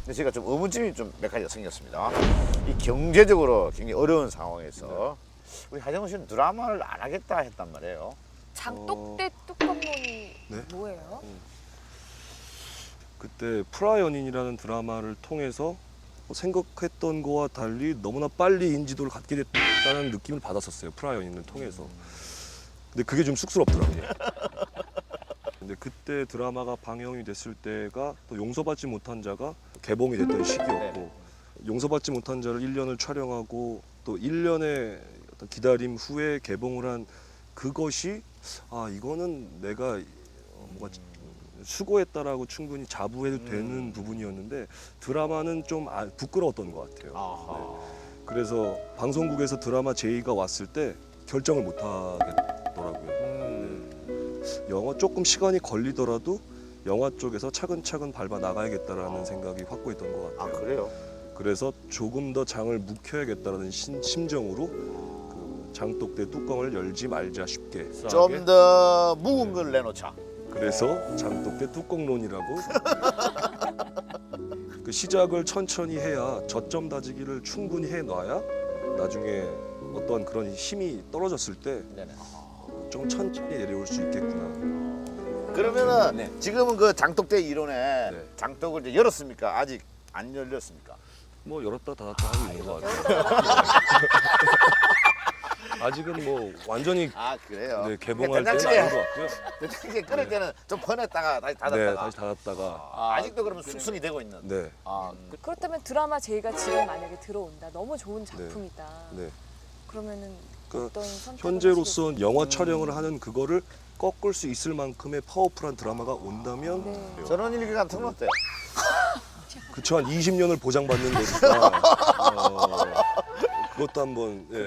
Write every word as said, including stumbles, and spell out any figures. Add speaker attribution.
Speaker 1: 근데 제가 좀 의문점이 좀 몇 가지가 생겼습니다. 이 경제적으로 굉장히 어려운 상황에서 우리 하정우 씨는 드라마를 안 하겠다 했단 말이에요.
Speaker 2: 장독대 뚜껑론이
Speaker 3: 네?
Speaker 2: 뭐예요?
Speaker 3: 그때 프라연인이라는 드라마를 통해서 생각했던 거와 달리 너무나 빨리 인지도를 갖게 됐다는 느낌을 받았었어요. 프라연인을 통해서. 근데 그게 좀 쑥스럽더라고요. 근데 그때 드라마가 방영이 됐을 때가 또 용서받지 못한 자가 개봉이 됐던 시기였고, 용서받지 못한 자를 일 년을 촬영하고 또 일 년의 어떤 기다림 후에 개봉을 한 그것이 아 이거는 내가 어, 뭔가 수고했다라고 충분히 자부해도 되는 부분이었는데 부분이었는데 드라마는 좀 아, 부끄러웠던 것 같아요. 네. 그래서 방송국에서 드라마 제의가 왔을 때 결정을 못 하겠더라고요. 네. 영화 조금 시간이 걸리더라도 영화 쪽에서 차근차근 밟아 나가야겠다라는 생각이 확고했던 것
Speaker 1: 아
Speaker 3: 같아요.
Speaker 1: 그래요?
Speaker 3: 그래서 조금 더 장을 묵혀야겠다는 신, 심정으로 그 장독대 뚜껑을 열지 말자 쉽게.
Speaker 1: 좀 더 묵은 걸 내놓자.
Speaker 3: 그래서 장독대 뚜껑론이라고. 그 시작을 천천히 해야 저점 다지기를 충분히 해놔야 나중에 어떤 그런 힘이 떨어졌을 때 좀
Speaker 1: 네네.
Speaker 3: 천천히 내려올 수 있겠구나.
Speaker 1: 그러면은
Speaker 3: 네.
Speaker 1: 지금은 그 장독대 이론에
Speaker 3: 네.
Speaker 1: 장독을 이제 열었습니까? 아직 안 열렸습니까?
Speaker 3: 뭐 열었다 닫았다 하고 있는 것 같아요. 아직은 뭐 완전히
Speaker 1: 아 그래요?
Speaker 3: 네, 개봉할 때는
Speaker 1: 된장찌개
Speaker 3: 아닌 것 같고요.
Speaker 1: 된장찌개 끓일 때는 좀 퍼냈다가 다시
Speaker 3: 네,
Speaker 1: 닫았다가
Speaker 3: 다시 닫았다가.
Speaker 1: 아, 아직도 그러면 숙성이 되고 있는.
Speaker 3: 네,
Speaker 1: 아, 그-
Speaker 2: 그렇다면 드라마 제의가 지금 만약에 들어온다. 너무 좋은 작품이다.
Speaker 3: 네.
Speaker 2: 그러면은
Speaker 3: 그
Speaker 2: 어떤 선택을
Speaker 3: 현재로선 영화 촬영을 하는 그거를 꺾을 수 있을 만큼의 파워풀한 드라마가 온다면
Speaker 2: 하시겠어요? 네.
Speaker 1: 전원일기 같은 건 어때요?
Speaker 3: 그쵸 한 이십 년을 보장받는 거니까 어, 그것도 한번 예.